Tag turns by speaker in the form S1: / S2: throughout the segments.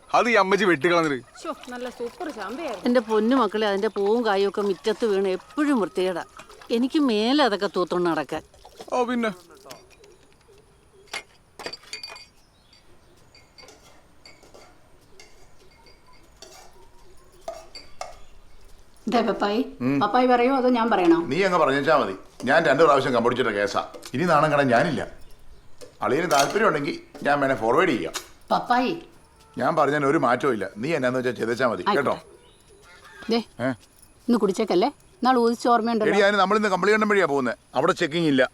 S1: അത് ഈ അമ്മച്ചി വെട്ടിക്കളഞ്ഞിട്ട്.
S2: നല്ല സൂപ്പർ ചാമ്പയായിരുന്നു.
S3: എന്റെ പൊന്നു മക്കളെ, അതിന്റെ പൂവും കായും ഒക്കെ മുറ്റത്ത് വീണ് എപ്പോഴും വൃത്തികേടാ. എനിക്ക് മേലെ അതൊക്കെ തൂത്തോണ്ട് നടക്കാൻ.
S1: ഓ പിന്നെ
S2: പപ്പായി പറയോ അതോ ഞാൻ പറയണോ?
S4: നീ അങ്ങ് പറഞ്ഞാ മതി. ഞാൻ 2 പ്രാവശ്യം കമ്പടിച്ചിട്ട കേസാ. ഇനി നാണം കടാൻ ഞാനില്ല. അളിയന് താല്പര്യം ഉണ്ടെങ്കിൽ ഞാൻ വേണേ ഫോർവേഡ് ചെയ്യാം.
S2: പപ്പായി
S4: ഞാൻ പറഞ്ഞാൽ ഒരു മാറ്റവും ഇല്ല. നീ എന്നാന്ന് വെച്ചാൽ ചെയ്തേച്ചാ മതി കേട്ടോ.
S2: ഇന്ന് കുടിച്ചേക്കല്ലേ, നാളെ ഊതിച്ച ഓർമ്മയുണ്ടല്ലോ.
S4: എടി അതിന് നമ്മളിന്ന് കമ്പിളികണ്ടം വഴിയാ പോകുന്നത്. അവിടെ ചെക്കിംഗ് ഇല്ല.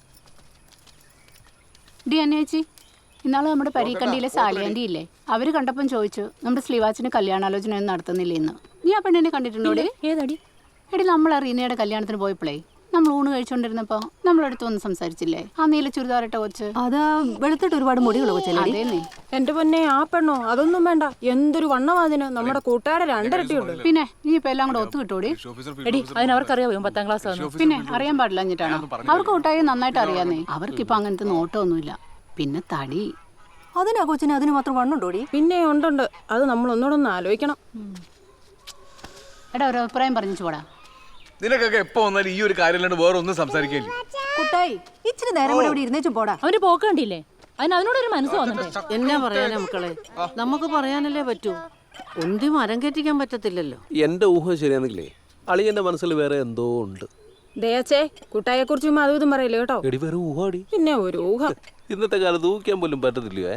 S2: ഡി അന്നേച്ചി, ഇന്നാള് നമ്മുടെ പരീക്കണ്ടിയിലെ സാലിയാൻറ്റി ഇല്ലേ, അവര് കണ്ടപ്പം ചോദിച്ചു നമ്മുടെ സ്ലീവാച്ചിന് കല്യാണാലോചന ഒന്നും നടത്തുന്നില്ല ഇന്ന്. നീ ആ പെണ്ണിനെ കണ്ടിട്ടുണ്ടോ?
S5: ഏതടി?
S2: എടി നമ്മൾ റീനയുടെ കല്യാണത്തിന് പോയപ്പോഴേ നമ്മൾ ഊണ് കഴിച്ചോണ്ടിരുന്നപ്പോ നമ്മളടുത്ത് ഒന്നും സംസാരിച്ചില്ലേ? ആ നീല ചുരിദാറിട്ട കൊച്ച്.
S5: അതാ വെളുത്തിട്ട് ഒരുപാട് മുടികൾ
S2: അതേന്നേ.
S6: എന്റെ പൊന്നെ, ആ പെണ്ണോ? അതൊന്നും വേണ്ട. എന്തൊരു വണ്ണവാതിന്. നമ്മുടെ കൂട്ടുകാരെ 2 ഇരട്ടിയുണ്ട്.
S2: പിന്നെ നീ ഇപ്പൊ എല്ലാം കൂടെ ഒത്തു കിട്ടൂടി.
S5: എടി, അതിനവർക്കറിയാവോ 10ാം ക്ലാസ്?
S2: പിന്നെ അറിയാൻ പാടില്ല എന്നിട്ടാണ്. അവർക്ക് കൂട്ടായി നന്നായിട്ട് അറിയാന്നേ. അവർക്കിപ്പൊ അങ്ങനത്തെ നോട്ടമൊന്നുമില്ല. പിന്നെ തടി.
S5: അതിനാ കൊച്ചിന് അതിന് മാത്രം വണ്ണുണ്ടോടി?
S6: പിന്നെ ഉണ്ട്. അത് നമ്മൾ ഒന്നുകൂടെ ഒന്ന് ആലോചിക്കണം.
S2: എടാ, ഒരു അഭിപ്രായം പറഞ്ഞു പോടാ.
S1: നിനക്കൊക്കെ എപ്പോ വന്നാലും ഈ ഒരു കാര്യം അല്ലാണ്ട് വേറെ ഒന്നും സംസാരിക്കില്ല.
S5: കുട്ടായി, ഇച്ചിരി നേരം കൂടെ ഇവിടെ ഇരുന്നേച്ചും പോടാ. അവന് പോക്ക് കണ്ടില്ലേ? അതിനോടൊരു മനസ്സ് വന്നിട്ടേ.
S3: എന്നാ പറയാനാ മക്കളെ, നമുക്ക് പറയാനല്ലേ പറ്റൂ. ഒന്തി മരം കെട്ടിക്കാൻ പറ്റത്തില്ലല്ലോ.
S7: എന്റെ ഊഹം ശരിയാണെങ്കിലേ അളിയന്റെ മനസ്സിൽ വേറെ എന്തോ ഉണ്ട്.
S6: ദേച്ചേ, കുട്ടായെ കുറിച്ചും അതും ഇതും പറയില്ലേ കേട്ടോ.
S7: എടി വേറെ ഊഹാടി.
S6: പിന്നെ ഒരു ഊഹം.
S7: ഇന്നത്തെ കാലത്ത് ഊഹിക്കാൻ പോലും പറ്റത്തില്ലയോ?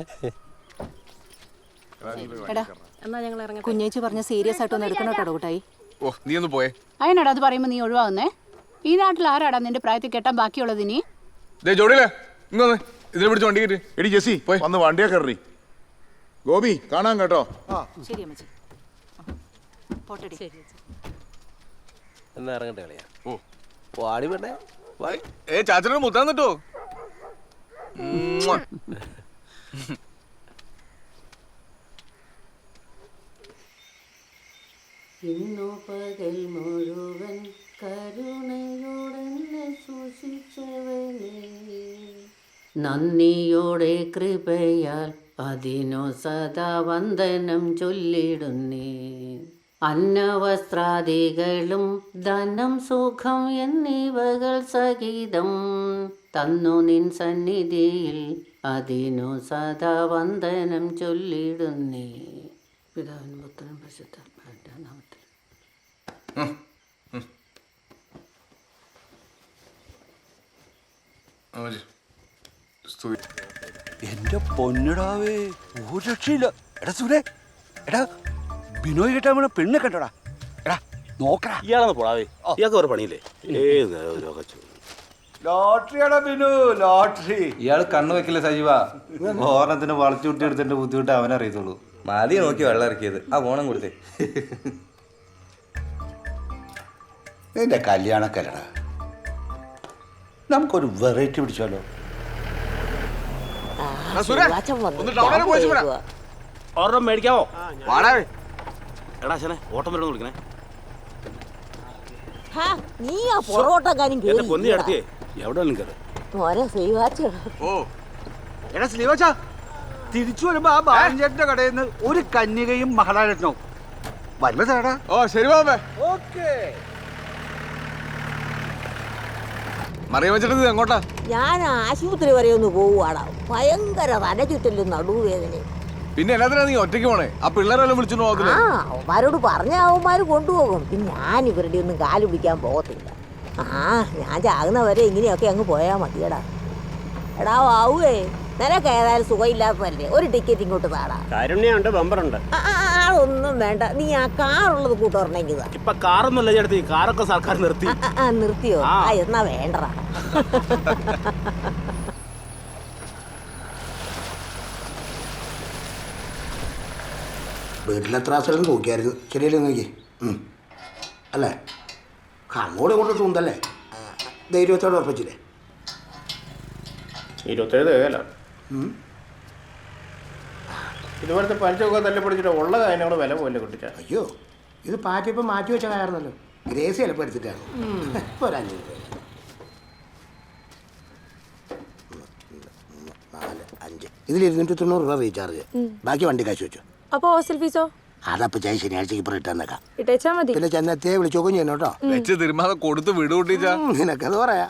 S6: എന്നാ ഞങ്ങൾ ഇറങ്ങി.
S5: കുഞ്ഞേച്ചി പറഞ്ഞ സീരിയസ് ആയിട്ടൊന്നും എടുക്കണം കേട്ടോ കുട്ടായി.
S1: ഓ നീ ഒന്ന് പോയേ.
S2: അതിനാടാ അത് പറയുമ്പോ നീ ഒഴിവാകുന്നേ? ഈ നാട്ടിൽ ആരാടാ നിന്റെ പ്രായത്തിൽ കെട്ടാൻ ബാക്കിയുള്ളത്? നീ
S1: ജോഡിയില്ലേ ഇങ്ങൊന്ന് ഇതിനെ പിടിച്ച് വണ്ടി കയറ്റി.
S4: എടി ജെസ്സി, വന്ന് വണ്ടിയെ കയറി. ഗോപി കാണാൻ കേട്ടോ.
S5: ശരി അമ്മച്ചി, പോട്ടെടി.
S7: എന്നാ ഇറങ്ങട്ടെ കളിയാ.
S1: ഓ
S7: വാടി വേണ്ടേ?
S1: ചാച്ചനോട് മുത്താൻ നിട്ടോ.
S3: ഇന്നു പകൽ മുഴുവൻ കരുണയോടെ സൂക്ഷിച്ചവനെ, നന്ദിയോടെ കൃപയാൽ അതിനു സദാ വന്ദനം ചൊല്ലിടുന്നേ. അന്നവസ്ത്രാദികളും ധനം സുഖം എന്നിവകൾ സഹിതം തന്നു നിൻ സന്നിധിയിൽ അതിനു സദാ വന്ദനം ചൊല്ലിടുന്നേ. പിതാവിനും പുത്രനും പരിശുദ്ധാത്മാവിന്റെ നാമത്തിൽ.
S8: എന്റെ പൊന്നിടാവേ, ഒരു രക്ഷയില്ല. എടാ സുരേ, എടാ ബിനോയ് കിട്ടാൻ വേണം പെണ്ണ് കണ്ടോടാ. എടാ നോക്കടാ.
S7: ഇയാളെന്ന് പോടാവേ, ഇയാൾക്ക് വേറെ പണിയില്ലേ?
S8: ലോട്ടറിയാടാ ബിനു, ലോട്ടറി.
S9: ഇയാൾ കണ്ണു വെക്കില്ല സജീവ. ഓരണത്തിന് വളച്ചുകൂട്ടി എടുത്തിന്റെ ബുദ്ധിമുട്ട് അവനറിയത്തുള്ളൂ.
S10: മതി നോക്കി വെള്ളം ഇറക്കിയത്. ആ ഓണം കൊടുത്തേ.
S8: നിന്റെ കല്യാണക്കല്ലടാ, നമുക്കൊരു വെറൈറ്റി പിടിച്ചാലോ?
S7: ഒരെണ്ണം മേടിക്കാവോ?
S8: എടാ ശനെ, ഓട്ടം വരണം വിളിക്കണേ.
S11: നീ ആ പൊറോട്ടക്കാരും
S7: പൊന്നി അടുത്തേ എവിടെ കയറി.
S8: എടാ സ്ലീവാച്ചാ, തിരിച്ചു വരുമ്പോ ആ ബാലൻചേട്ടന്റെ കടയിൽ നിന്ന് ഒരു കന്യകയും മഹാരാജനോ വല്ലതേടാ.
S1: ഓ ശരി ബാബേ. മറിയം വെച്ചിട്ട് എങ്ങോട്ടാ?
S11: ഞാൻ ആശുപത്രി വരെ ഒന്ന് പോവുകയാണ്. ഭയങ്കര തല ചുറ്റലും നടുവേദന.
S1: പിന്നെ എല്ലാത്തിനാ നീ ഒറ്റയ്ക്ക് പോണേ? ആ പിള്ളേരെല്ലാം വിളിച്ചു നോക്കില്ല.
S11: അവന്മാരോട് പറഞ്ഞ അവന്മാര് കൊണ്ടുപോകും. പിന്നെ ഞാൻ ഇവരുടെ ഒന്നും കാല് പിടിക്കാൻ പോകത്തില്ല. ഞാൻ ചാകുന്നവരെ ഇങ്ങനെയൊക്കെ അങ്ങ് പോയാ മതിയടാ. എടാ വാവുവേ, നിനക്ക് ഏതായാലും സുഖമില്ലാത്തതല്ലേ, ഒരു ടിക്കറ്റ് ഇങ്ങോട്ട് താടാ.
S7: കാരുണ്യുണ്ട്, ബമ്പറുണ്ട്.
S11: ഒന്നും വേണ്ട, നീ ആ കാറുള്ളത് കൂട്ടുറണെങ്കിൽ.
S7: ഇപ്പൊ കാറൊന്നുമല്ല ചേട്ടത്തി, കാറൊക്കെ സർക്കാർ നിർത്തി.
S11: നിർത്തിയോ? എന്നാ വേണ്ടടാ.
S8: വീട്ടിലെത്ര സ്ഥലം നോക്കിയായിരുന്നു. ശരിയല്ലേ നോക്കി അല്ലേ? അങ്ങോട്ടും ഇങ്ങോട്ടും തൂന്തല്ലേ? ധൈര്യത്തോടെ ഉറപ്പിച്ചില്ലേ?
S7: 27 ഇതുപോലത്തെ പലിശൊക്കെ തല്ലിപ്പൊടിച്ചിട്ട് ഉള്ള കാര്യങ്ങളോട് വില പോലെ കിട്ടിച്ച.
S8: അയ്യോ, ഇത് പാറ്റിയപ്പോൾ മാറ്റി വെച്ച കാരണല്ലോ. ഗ്രേസി ചിലപ്പോൾ എടുത്തിട്ടാണ്. ഇപ്പോൾ ഒരു 5 രൂപ. 4, 5 ഇതിൽ 290 രൂപ റീചാർജ്. ബാക്കി വണ്ടി കാശ് വെച്ചു.
S6: അപ്പൊ ഹോസ്റ്റൽ ഫീസോ?
S7: അതപ്പോ ചായ ശനിയാഴ്ചക്ക് ഇപ്പൊ ഇട്ടേക്കാം.
S6: ഇട്ടേച്ചാ മതി.
S7: പിന്നെ ചെന്നെത്തിയെ വിളിച്ചോക്കും ചെയ്യണം കേട്ടോ.
S1: വെച്ച് തിരുമാതെ കൊടുത്ത് വിടു കൂട്ടിച്ചാ.
S7: നിനക്കത് പറയാ.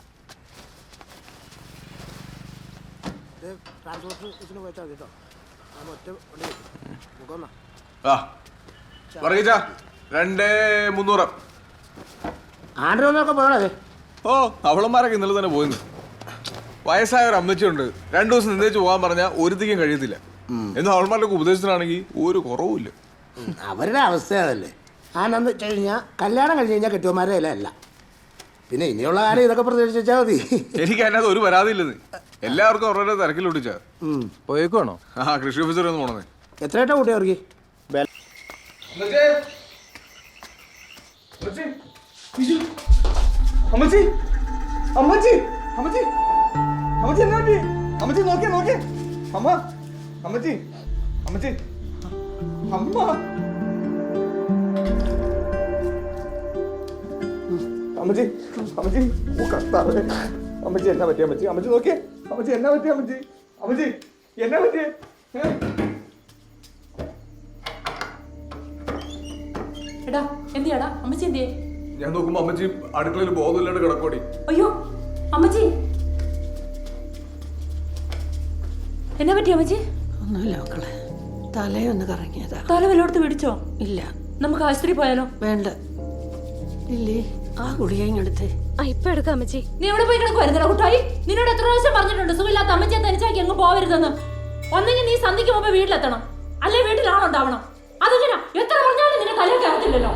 S1: ആ പറയിച്ചാ 2300.
S7: ആണ്ടൊക്കെ പോകണേ.
S1: ഓ അവളന്മാരൊക്കെ ഇന്നലെ തന്നെ പോയിന്ന്. വയസ്സായ ഒരു അമ്മച്ചിയുണ്ട്, 2 ദിവസം നിന്നേച്ച് പോകാൻ പറഞ്ഞാൽ ഒരുത്തിക്കും കഴിയത്തില്ല. എന്നാൽ അവൾമാരുടെ ഉപദേശത്തിനാണെങ്കിൽ ഒരു കുറവുമില്ല.
S7: അവരുടെ അവസ്ഥ അതല്ലേ. ആനന്ദ വെച്ച് കഴിഞ്ഞാൽ കല്യാണം കഴിഞ്ഞ് കഴിഞ്ഞാൽ കെട്ടിയന്മാരെ അല്ല. പിന്നെ ഇനിയുള്ള കാര്യം ഇതൊക്കെ പ്രതീക്ഷിച്ചാൽ മതി.
S1: എനിക്ക് അതിനകത്ത് ഒരു പരാതിയില്ലെന്ന്. എല്ലാവർക്കും അവരുടെ തിരക്കിലൊട്ടിച്ചാ പോയേക്കുവാണോ? ആ കൃഷി ഓഫീസർ ഒന്ന് പോണേ.
S7: എത്രയായിട്ടാ കൂട്ടി അവർക്ക്?
S1: അമ്മച്ചി അമ്മച്ചി അമ്മച്ചി അമ്മച്ചി എന്നാ പറ്റി? അമ്മച്ചി നോക്കിയേ നോക്കിയേ. അമ്മ അമ്മച്ചി അമ്മച്ചി അമ്മ അമ്മച്ചി അമ്മച്ചി ഓ കർത്താവേ. അമ്മച്ചി എന്നാ പറ്റി അമ്മച്ചി? അമ്മച്ചി നോക്കിയേ. അമ്മച്ചി എന്നാ പറ്റി അമ്മച്ചി? അമ്മച്ചി എന്നാ പറ്റിയേ?
S5: എടാ എന്തിയാടാ അമ്മച്ചി എന്തിയേ?
S1: ഞാൻ നോക്കുമ്പോ അമ്മച്ചി അടുക്കളയിൽ ബോധമില്ലാണ്ട് കിടക്കോടി.
S5: അയ്യോ അമ്മച്ചി എന്നാ പറ്റി അമ്മച്ചി?
S3: ഒന്നുമില്ല മക്കളെ, തലയൊന്ന് കറങ്ങിയതാ.
S5: തല വല്ലോടത്ത് പിടിച്ചോ?
S3: ഇല്ല.
S5: നമുക്ക് ആശുപത്രി പോയാലോ?
S3: വേണ്ട ഇല്ലേ, ആ ഗുളിക ഇങ്ങെടുത്തേ.
S6: ഇപ്പൊ എടുക്കാം അമ്മച്ചി.
S5: നീ എവിടെ പോയി കിടക്കുവായിരുന്നല്ലോ കുട്ടായി? നിന്നോട് എത്ര പ്രാവശ്യം പറഞ്ഞിട്ടുണ്ട് സുഖമില്ലാത്ത അമ്മച്ചിയെ തനിച്ചാക്കി അങ്ങ് പോവരുതെന്ന്. ഒന്നെങ്കിൽ നീ സന്ധിക്ക് മുമ്പ് വീട്ടിലെത്തണം, അല്ലെ വീട്ടിലാണുണ്ടാവണം. അതെങ്ങനെ എത്ര പറഞ്ഞാലും നിന്നെ തലയിൽ കയറത്തില്ലല്ലോ.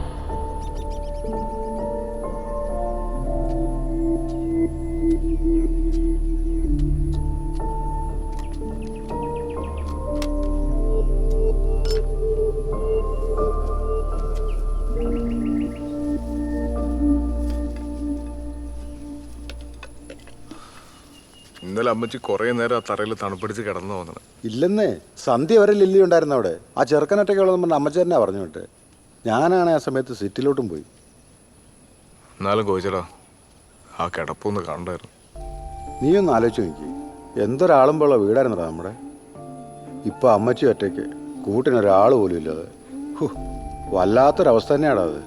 S1: ഇന്നലെ അമ്മച്ചി കുറെ നേരം ആ തറയിൽ തണുപ്പിടിച്ച് കിടന്നു പോകുന്നത്.
S9: ഇല്ലെന്നേ, സന്ധ്യ വരെ ലില്ലി ഉണ്ടായിരുന്നു അവിടെ. ആ ചെറുക്കനൊറ്റയ്ക്ക് ഉള്ളതെന്ന് പറഞ്ഞ അമ്മച്ചി തന്നെ പറഞ്ഞു വിട്ട്. ഞാനാണ് ആ സമയത്ത് സിറ്റിലോട്ടും പോയി.
S1: എന്നാലും കോയിച്ചടാ ആ കിടപ്പൊന്ന് കണ്ടായിരുന്നു.
S9: നീ ഒന്ന് ആലോചിച്ച് നോക്കി, എന്തൊരാളുമ്പോഴുള്ള വീടായിരുന്നടാ നമ്മുടെ. ഇപ്പം അമ്മച്ചി ഒറ്റയ്ക്ക്, കൂട്ടിനൊരാൾ പോലും ഇല്ലാതെ. വല്ലാത്തൊരവസ്ഥ തന്നെയാടാ അത്.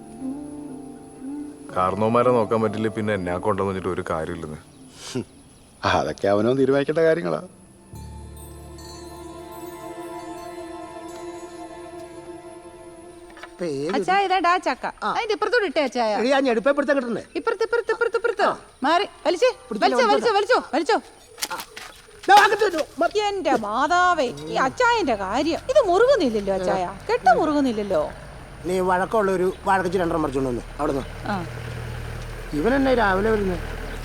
S1: കാരണവന്മാരെ നോക്കാൻ പറ്റില്ല, പിന്നെ എന്നെ കൊണ്ടെന്ന് വെച്ചിട്ട് ഒരു കാര്യമില്ലെന്ന്.
S9: അതൊക്കെ അവനോ തീരുമാനിക്കേണ്ട കാര്യങ്ങളാ.
S6: അച്ചായ ഇതാ ചക്ക. അതിന്റെ ഇപ്പുറത്തോട് ഇട്ടേ അച്ചായ.
S7: ഞെടുപ്പെടുത്താൻ കിട്ടണ്ടേ?
S6: ഇപ്പുറത്ത് മാറി വലിച്ചേ. വലിച്ചോ. എന്റെ മാതാവേ, ഈ അച്ചായന്റെ കാര്യം ഇത് മുറുകുന്നില്ലല്ലോ അച്ചായ. കെട്ട മുറുകുന്നില്ലല്ലോ.
S7: നീ വഴക്കമുള്ള ഒരു വഴക്കച്ച് 2 മറിച്ചോണ്ട് വന്നു അവിടെ നിന്ന്. ഇവനെന്നെ രാവിലെ വരുന്നത്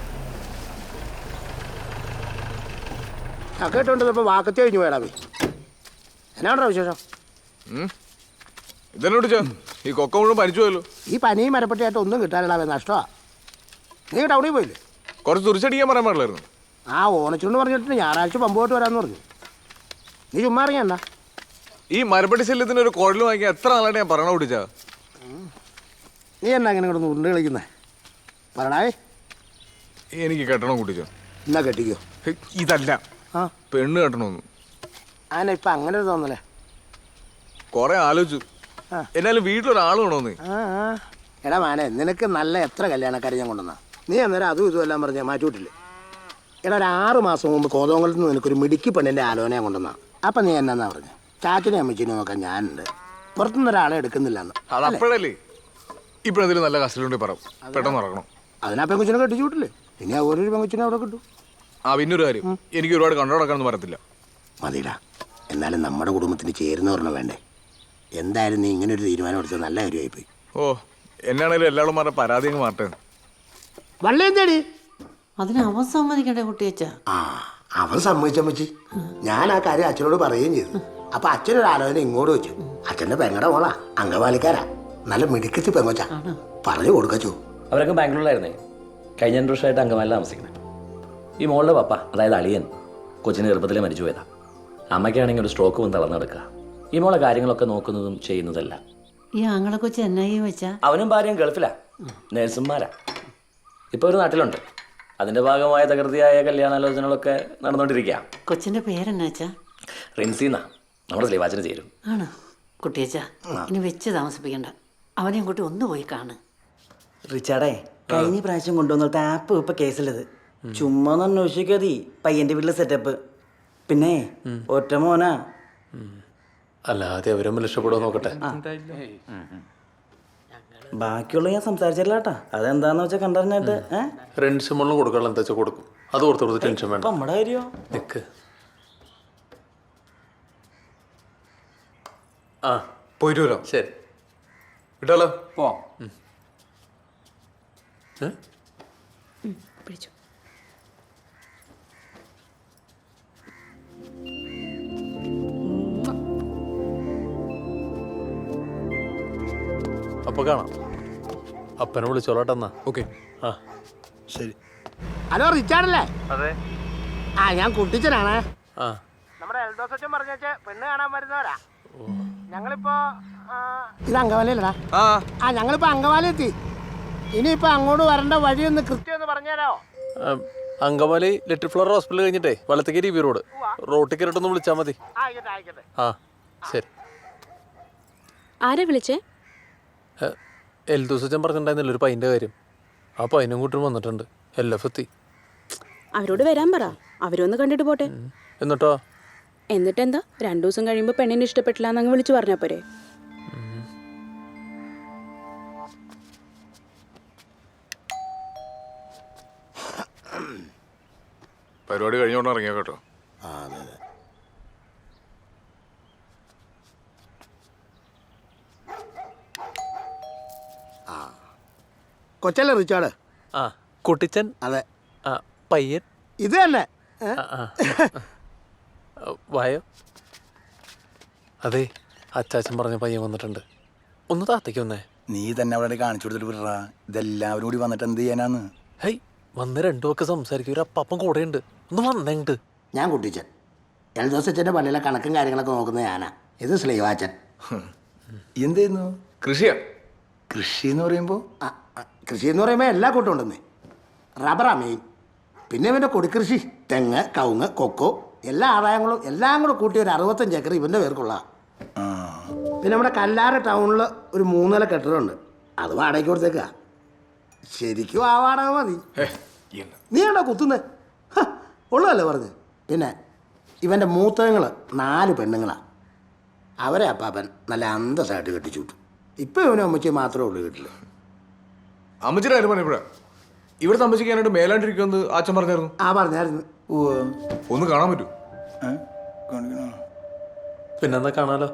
S7: കേട്ടോണ്ടിപ്പോ വാക്കത്തി കഴിഞ്ഞു പോയടാവേ. എന്നാണോ വിശേഷം?
S1: ഇതെന്നോട് ഈ കൊക്ക മുഴുവൻ പനിച്ചു പോയല്ലോ.
S7: ഈ പനിയും മരപ്പെട്ടിയായിട്ട് ഒന്നും കിട്ടാനിടാവേ, നഷ്ടമാ. നീ ടൗണിൽ പോയില്ലേ?
S1: കുറച്ച് തുറിച്ചടിക്കാൻ പറയാൻ പാടില്ലായിരുന്നു.
S7: ആ ഓണച്ചുണ്ട് പറഞ്ഞിട്ട് ഞായറാഴ്ച പമ്പ് പോയിട്ട് വരാമെന്ന് പറഞ്ഞു. നീ ചുമ്മാ അറിയണ്ട.
S1: ഈ മരപ്പട്ടി ശല്യത്തിന് ഒരു കുഴൽ വാങ്ങിയാൽ എത്ര നാളായിട്ട് ഞാൻ പറയണ കുട്ടിച്ചാ.
S7: നീ എന്നാ ഇങ്ങനെ കിടന്ന് ഉരുണ്ട് കളിക്കുന്നേ? പറടാവേ.
S1: എനിക്ക് കെട്ടണം കുട്ടിച്ചോ.
S7: എന്നാ കെട്ടിക്കോ.
S1: ഇതല്ല,
S7: ആ
S1: പെണ്ണ് കെട്ടണമെന്ന്.
S7: ആന ഇപ്പം അങ്ങനെ ഒരു തോന്നലേ.
S1: കുറെ ആലോചിച്ചു, എന്നാലും വീട്ടിലൊരാൾ വേണമെന്ന്.
S7: എടാ മാനെ, നിനക്ക് നല്ല എത്ര കല്യാണക്കാരെ ഞാൻ കൊണ്ടുവന്നാ. നീ അന്നേരം അതും ഇതും എല്ലാം പറഞ്ഞാൽ മാറ്റിവിട്ടില്ലേ? എടാ ഒരു 6 മാസം മുമ്പ് കോതോങ്കലത്ത് നിന്ന് നിനക്കൊരു മിടുക്കി പെണ്ണിൻ്റെ ആലോചന കൊണ്ടുവന്നാ. അപ്പം നീ എന്നാ പറഞ്ഞു? ചാച്ചനെ അമ്മച്ചിനെ നോക്കാൻ ഞാനുണ്ട്, പുറത്തുനിന്ന് ഒരാളെ എടുക്കുന്നില്ല എന്ന്.
S1: അത് അപ്പോഴല്ലേ. ഇപ്പോഴെന്തെങ്കിലും നല്ല കസ്റ്റഡിയുണ്ടെങ്കിൽ പറ, പെട്ടെന്ന് ഇറങ്ങണം.
S7: അതിനാ പെങ്കുച്ചിനെ കെട്ടിച്ചു വിട്ടില്ലേ? ഇനി ആ ഓരോരു പെങ്കുച്ചിനെ അവിടെ കിട്ടും.
S1: ആ പിന്നൊരു കാര്യം, എനിക്ക് ഒരുപാട് കണ്ടോടക്കാനൊന്നും പറയത്തില്ല.
S7: മതിടാ, എന്നാലും നമ്മുടെ കുടുംബത്തിന് ചേരുന്നവരണം വേണ്ടേ? എന്തായാലും നീ ഇങ്ങനെ ഒരു തീരുമാനം എടുത്തത് നല്ല കാര്യമായിപ്പോയി.
S1: ഓ, എന്നാണേലും എല്ലാവരും മാരുടെ പരാതി അങ്ങ് മാറട്ടെ.
S7: വള്ളി എന്തേടി?
S3: അതിന് അവൻ സമ്മതിക്കണ്ടേ കുട്ടിയച്ചാ?
S7: ആ, അവൻ സമ്മതിച്ചമ്മച്ചി. ഞാൻ ആ കാര്യം അച്ഛനോട് പറയുകയും ചെയ്തു. അപ്പൊ അച്ഛനൊരു ആലോചന ഇങ്ങോട്ട് വെച്ചു. അച്ഛന്റെ പെങ്ങടെ മോളാ, അംഗവാലിക്കാരാ, നല്ല മിടുക്കത്തി പെങ്ങോച്ച. പറഞ്ഞു കൊടുക്കച്ചു.
S10: അവരൊക്കെ ബാംഗ്ലൂരിലായിരുന്നേ. കഴിഞ്ഞ 2 വർഷമായിട്ട് അങ്കമാലിൽ താമസിക്കുന്നത്. ഈ മോളുടെ പപ്പ, അതായത് അളിയൻ, കൊച്ചിന് ഗർഭത്തിലെ മരിച്ചു പോയതാ. അമ്മയ്ക്കാണെങ്കിൽ ഒരു സ്ട്രോക്ക് വന്ന് തളർന്നു കിടക്കുക. ഈ മോളെ കാര്യങ്ങളൊക്കെ നോക്കുന്നതും ചെയ്യുന്നതല്ല.
S3: ഈ ആങ്ങളെ കൊച്ചു എന്നായി വെച്ചാ?
S10: അവനും ഭാര്യയും ഗൾഫിലാ, നേഴ്സുമാരാ. ഇപ്പോൾ ഒരു നാട്ടിലുണ്ട്. അതിൻ്റെ ഭാഗമായ തകൃതിയായ കല്യാണാലോചനകളൊക്കെ നടന്നുകൊണ്ടിരിക്കുക.
S3: കൊച്ചിന്റെ പേരെന്നാച്ചാ?
S10: റിൻസിന്നാ. നമ്മുടെ സ്ലീവാച്ചിന് ചേരും.
S3: ആണ് കുട്ടിയച്ച, ഇനി വെച്ച് താമസിപ്പിക്കണ്ട. അവനെയും കൂട്ടി ഒന്ന് പോയി കാണ്.
S12: റിച്ചാർഡേ, കഴിഞ്ഞ പ്രാവശ്യം കൊണ്ടുവന്നിട്ട് ആപ്പ് ഇപ്പൊ കേസിലത്. ചുമ്മാ ഒന്ന് അന്വേഷിക്കാതി പയ്യന്റെ വീട്ടിലെ സെറ്റപ്പ്. പിന്നെ ഒറ്റ മോനാ.
S1: അല്ലാതെ അവരും രക്ഷപ്പെടുമോ നോക്കട്ടെ.
S12: ബാക്കിയുള്ള ഞാൻ സംസാരിച്ചില്ല കേട്ടാ. അതെന്താന്ന് വെച്ചാൽ കണ്ടറിഞ്ഞിട്ട്
S1: റെന്റ് മുകളിൽ കൊടുക്കാനുള്ള എന്താ വെച്ചാൽ കൊടുക്കും. അത് ഓർത്ത് ടെൻഷൻ വേണ്ട.
S12: നമ്മുടെ കാര്യോ
S1: നിക്ക്. ആ പോയിട്ട് വരാം. ശരി വിട്ടാലോ?
S8: പോവാം.
S2: പിടിച്ചു.
S1: അപ്പൊ കാണാം. അപ്പനെ വിളിച്ചോളട്ടെന്നാ. ഓക്കെ. ആ
S7: ശരി. ഹലോ റിച്ചാർഡല്ലേ?
S1: അതെ.
S7: ആ ഞാൻ കുട്ടിച്ചനാണ്.
S1: ആ
S7: നമ്മുടെ എൽദോസച്ചൻ പറഞ്ഞേച്ച് പെണ്ണ് കാണാൻ വരുന്നവരാ. ഞങ്ങളിപ്പോ ഇത് അങ്കവാലിയല്ലടാ. ആ ഞങ്ങളിപ്പോ അങ്കവാലി എത്തി. ഇനിയിപ്പോ അങ്ങോട്ട് വരേണ്ട വഴിയൊന്ന് കൃത്യം ഒന്ന് പറഞ്ഞുതരാമോ?
S1: അങ്കമാലി ലിറ്റിൽ ഫ്ലവർ ഹോസ്പിറ്റൽ കഴിഞ്ഞിട്ടേ വലത്തേക്ക് ബി റോഡ് റോട്ടിൽ കയറിട്ടൊന്ന് വിളിച്ചാൽ മതി.
S7: ആയിക്കോട്ടെ ആയിക്കോട്ടെ.
S1: ആ ശരി.
S2: ആരാ വിളിച്ചേ?
S1: എൽദോസച്ചൻ പറഞ്ഞിട്ടുണ്ടായിരുന്നില്ല ഒരു പൈൻ്റെ കാര്യം. ആ പൈനും കൂട്ടും വന്നിട്ടുണ്ട്. LF എത്തി.
S2: അവരോട് വരാൻ പറ. അവരൊന്ന് കണ്ടിട്ട് പോട്ടെ.
S1: എന്നിട്ടോ?
S2: എന്നിട്ടെന്താ, 2 ദിവസം കഴിയുമ്പോൾ പെണ്ണിനെ ഇഷ്ടപ്പെട്ടില്ല എന്നങ്ങ് വിളിച്ചു പറഞ്ഞാ പോരെ?
S1: പരിപാടി കഴിഞ്ഞോണ്ട് ഇറങ്ങിയോ കേട്ടോ.
S7: അതെ അതെ. ആ കൊച്ചല്ലേ റിച്ചാർഡ്?
S1: ആ കുട്ടിച്ചൻ.
S7: അതെ.
S1: ആ പയ്യൻ
S7: ഇത് തന്നെ.
S1: വായോ. അതെ, അച്ചാച്ചൻ പറഞ്ഞ പയ്യൻ വന്നിട്ടുണ്ട്. ഒന്ന് താത്തേക്ക് വന്നേ.
S8: നീ തന്നെ അവിടെ കാണിച്ചു കൊടുത്തിട്ട് വിടറാ. ഇതെല്ലാവരും കൂടി വന്നിട്ട് എന്ത് ചെയ്യാനാന്ന്?
S1: ഹൈ വന്ന് രണ്ടു ഒക്കെ സംസാരിക്കും. ഒരു അപ്പം കൂടെ ഉണ്ട്. ഒന്ന് വന്നെണ്ട്.
S7: ഞാൻ കുട്ടിച്ചൻ. എൽദോസച്ചൻ്റെ പള്ളിയിലെ കണക്കും കാര്യങ്ങളൊക്കെ നോക്കുന്നത് ഞാനാ. ഇത് സ്ലീവാച്ചൻ.
S8: എന്ത് ചെയ്യുന്നു?
S1: കൃഷിയാ.
S8: കൃഷി എന്ന് പറയുമ്പോൾ
S7: കൃഷി എന്ന് പറയുമ്പോൾ എല്ലാ കൂട്ടം ഉണ്ടെന്നേ. റബ്ബറാ മെയിൻ. പിന്നെ ഇവൻ്റെ കൊടിക്കൃഷി, തെങ്ങ്, കവുങ്ങ്, കൊക്കോ, എല്ലാ ആദായങ്ങളും എല്ലാം കൂടെ കൂട്ടി ഒരു 65 ഏക്കർ ഇവൻ്റെ പേർക്കുള്ള. പിന്നെ നമ്മുടെ കല്ലാറ് ടൗണിൽ ഒരു 3 നില കെട്ടിടമുണ്ട്. അത് വാടകയ്ക്ക് കൊടുത്തേക്കാ. ശരിക്കും ആ വാടക മതി. നീ ആണോ കുത്തുന്നേ? ഉള്ളതല്ലേ പറഞ്ഞ്. പിന്നെ ഇവൻ്റെ മൂത്തങ്ങൾ 4 പെണ്ണുങ്ങളാണ്. അവരെ അപ്പാപ്പൻ നല്ല അന്തസ്സായിട്ട് കെട്ടിച്ചു വിട്ടു. ഇപ്പം ഇവനും അമ്മച്ചി മാത്രമേ ഉള്ളൂ വീട്ടിൽ.
S1: അമ്മച്ചിയുടെ കാര്യം പറഞ്ഞപ്പോഴാ ഇവിടെ താമസിക്കാനായിട്ട് മേലാണ്ടിരിക്കുമെന്ന് അച്ഛൻ പറഞ്ഞായിരുന്നു.
S7: ആ പറഞ്ഞായിരുന്നു.
S1: ഒന്ന് കാണാൻ പറ്റൂ? പിന്നെന്താ കാണാലോ.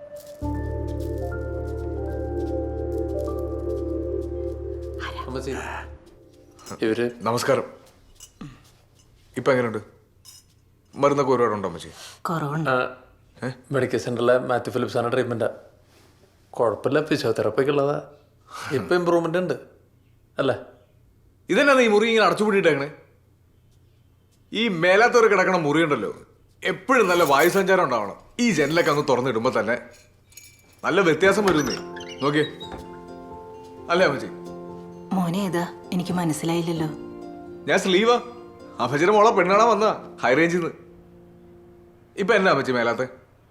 S1: ഇവര് നമസ്കാരം. ഇപ്പൊ എങ്ങനെയുണ്ട്? മരുന്നൊക്കെ ഒരുപാടുണ്ടോ അമ്മച്ചി?
S3: കുറവുണ്ട്.
S1: മെഡിക്കൽ സെന്ററിലെ മാത്യു ഫിലിപ്സാണ് ട്രീറ്റ്മെന്റാ. കുഴപ്പമില്ല. ഫിസിയോതെറാപ്പിക്ക് ഉള്ളതാ. ഇപ്പൊ ഇമ്പ്രൂവ്മെന്റ് ഉണ്ട് അല്ലേ? ഇതന്നെ ഈ മുറി ഇങ്ങനെ അടച്ചുപൂട്ടിയിട്ടേക്കണേ. ഈ മേലാത്തവർ കിടക്കണ മുറി ഉണ്ടല്ലോ, എപ്പോഴും നല്ല വായുസഞ്ചാരം ഉണ്ടാവണം. ഈ ജനലൊക്കെ അങ്ങ് തുറന്നിടുമ്പോ തന്നെ നല്ല വ്യത്യാസം വരുന്നേ. നോക്കിയേ. അല്ലേ അമ്മച്ചി?
S3: മോനെ ഏതാ? എനിക്ക് മനസ്സിലായില്ലല്ലോ.
S1: ഞാൻ സ്ലീവാ. അമ്മച്ചിയുടെ മോളെ പെണ്ണാണാ വന്നാ ഹൈ റേഞ്ചിൽ നിന്ന്. ഇപ്പൊ എന്നാ അമ്മച്ചി മേലാത്തെ?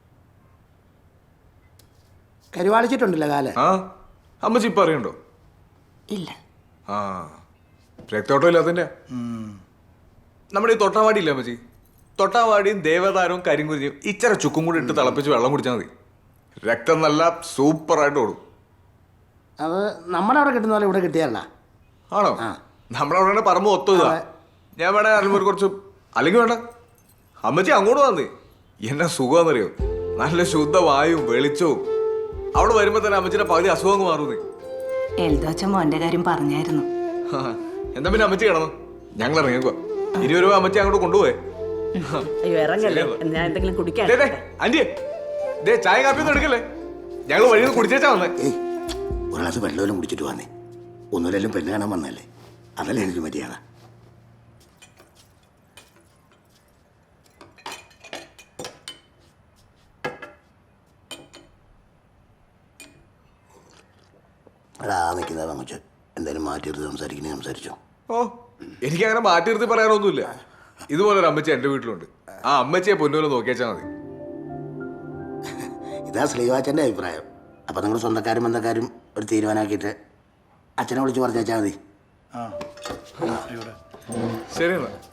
S7: കരുവാളിച്ചിട്ടുണ്ടല്ലോ കാല്.
S1: ആ അമ്മച്ചി ഇപ്പൊ അറിയണ്ടോ?
S3: ഇല്ല.
S1: ആ രക്തോട്ടം ഇല്ലാത്തതിന്റെ. നമ്മുടെ ഈ തൊട്ടാവാടി ഇല്ല അമ്മച്ചി, തൊട്ടാവാടിയും ദേവതാരവും കരിങ്കുരിയും ഇച്ചിരി ചുക്കും കൂടി ഇട്ട് തിളപ്പിച്ച് വെള്ളം കുടിച്ചാൽ മതി. രക്തം നല്ല സൂപ്പറായിട്ട് ഓടും.
S7: അത് നമ്മുടെ അവിടെ കിട്ടുന്ന പോലെ ഇവിടെ കിട്ടിയല്ല.
S1: ആണോ? നമ്മുടെ അവിടെ പറമ്പ് ഒത്തുക. ഞാൻ വേണേ അറിയുമ്പോൾ കുറച്ച്, അല്ലെങ്കിൽ വേണ്ട അമ്മച്ചി അങ്ങോട്ട് വന്നേ. എന്നാ സുഖമാണെന്നറിയോ? നല്ല ശുദ്ധ വായും വെളിച്ചവും. അവിടെ വരുമ്പോ തന്നെ അമ്മച്ചിയുടെ പകുതി അസുഖം അങ്ങ് മാറുന്നേ.
S3: എൽദോച്ചൻ മോന്റെ കാര്യം പറഞ്ഞായിരുന്നു.
S1: എന്താ പിന്നെ അമ്മച്ചി കിടന്നു? ഞങ്ങൾ ഇറങ്ങിക്കോ. 20 രൂപ അമ്മച്ചി അങ്ങോട്ട് കൊണ്ടുപോയേ.
S3: അയ്യോ ഇറങ്ങല്ലേ, ഞാൻ എന്തെങ്കിലും കുടിക്കാൻ.
S1: ആന്റിയെ ചായ കാപ്പിയൊന്നും എടുക്കല്ലേ? ഞങ്ങൾ വഴി നിന്ന് കുടിച്ചേച്ചാ വന്നേ.
S7: ഒരു ഗ്ലാസ് വെള്ളമെല്ലാം കുടിച്ചിട്ട് വന്നേ. ഒന്നുമില്ലെങ്കിലും പെണ്ണ് കാണാൻ വന്നല്ലേ, അതല്ലേ എനിക്ക് മര്യാദ. എടാ നിൽക്കുന്നതാ കൊച്ചു. എന്തായാലും മാറ്റിയെടുത്ത് സംസാരിക്കണേ സംസാരിച്ചോ.
S1: ഓ എനിക്കങ്ങനെ മാറ്റി നിർത്തി പറയാനൊന്നുമില്ല. ഇതുപോലെ ഒരു അമ്മച്ചി എൻ്റെ വീട്ടിലുണ്ട്. ആ അമ്മച്ചിയെ പൊന്നുപോലെ നോക്കിയാച്ചാൽ മതി.
S7: ഇതാ ശ്രീവാച്ചൻ്റെ അഭിപ്രായം. അപ്പം നിങ്ങൾ സ്വന്തക്കാരും ബന്ധക്കാരും ഒരു തീരുമാനമാക്കിയിട്ട് അച്ഛനെ വിളിച്ച് പറഞ്ഞേച്ചാൽ മതി.
S1: ശരി എന്നാ